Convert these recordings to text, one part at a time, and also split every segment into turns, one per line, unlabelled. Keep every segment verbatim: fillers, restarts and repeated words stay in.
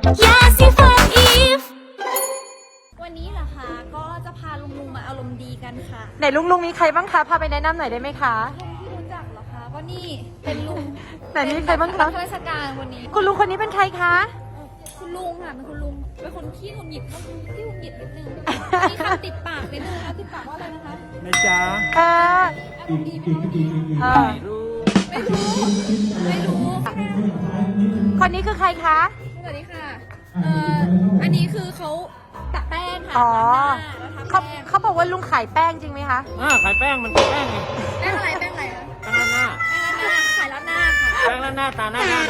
ยาสีฟันอีฟ
วันนี้เหรอคะก็จะพาลุงลุงมาอารมณ์ดีกันค่ะ
ไหนลุงลุงมีใครบ้างคะพาไปแนะนำหน่อยได้ไหมคะ
ลุงที่รู้จักเหรอคะก็นี่เป็นลุง
ไหนมีใครบ้างคะ
ข้าราชการวันนี้
คุณลุงคนนี้เป็นใครคะ
คุณลุงค่ะเป็นคุณลุงเป็นคนขี้หงุดหงิดขี้หงุดหงิดนิดนึงมีคำติดปากนิดนึงนะติดปากว่าอะไรนะคะ
นะจ๊ะ
เออ
อารมณ์ดีมั้ง
เออ
ไม่รู้ไม่รู้
คนนี้คือใครคะ
สวัสดีค่ะเอ่ออันนี้คือเขาตักแป้งค่ะ
อ๋อ
แล้ว
เขา
ทำแป้ง
เขาบอกว่าลุงขายแป้งจริงไหมคะ
อ่าขายแป้งมันคือแป้งไง
แป้งอะไรแป้งอะไรอะ
แป้งหน้า
แป้งอะไรขายร้านหน้าค่ะ
แป้งหน้าตาหน้าหน้า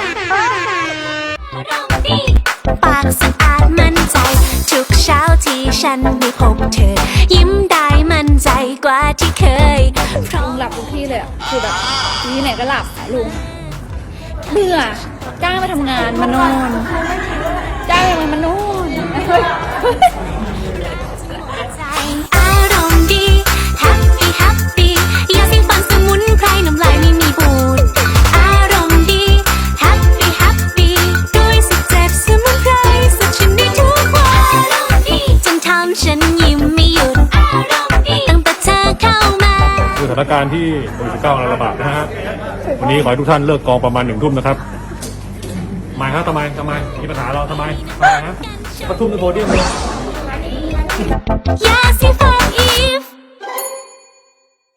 ปากสะอาดมั่นใจ ทุกเช้าที่ฉันได้พบเธอ ยิ้มได้มั่นใจกว่าที่เคยเพราะ
ลุงหลับทุกที่เลยอะคือแบบที่ไหนก็หลับอะลุงเบื่อจ้างไปทำงานมานอนจ้างไปมานอนเฮ้ย
ใจอารมณ์ดี Happy Happy ยาสีฟันสมุนไพรน้ำลายไม่มีบูดอารมณ์ดี Happy Happy ด้วยสิบเจ็ดสมุนไพรสดชื่นได้ทุกวันจนทำฉันยิ้มไม่หยุดอารมณ์ดีตั้งแต่เธอเข้ามา
คือสถานการณ์ที่โควิดสิบเก้าระบาดนะฮะ วันนี้ขอให้ทุกท่านเลิกกองประมาณหนึ่งทุ่มนะครับทำไมครับทำไมทำไมมีปัญหาเราทำไมทำไมฮะประทุ่มในโพเดียมเลย
ยาสีฟันอีฟ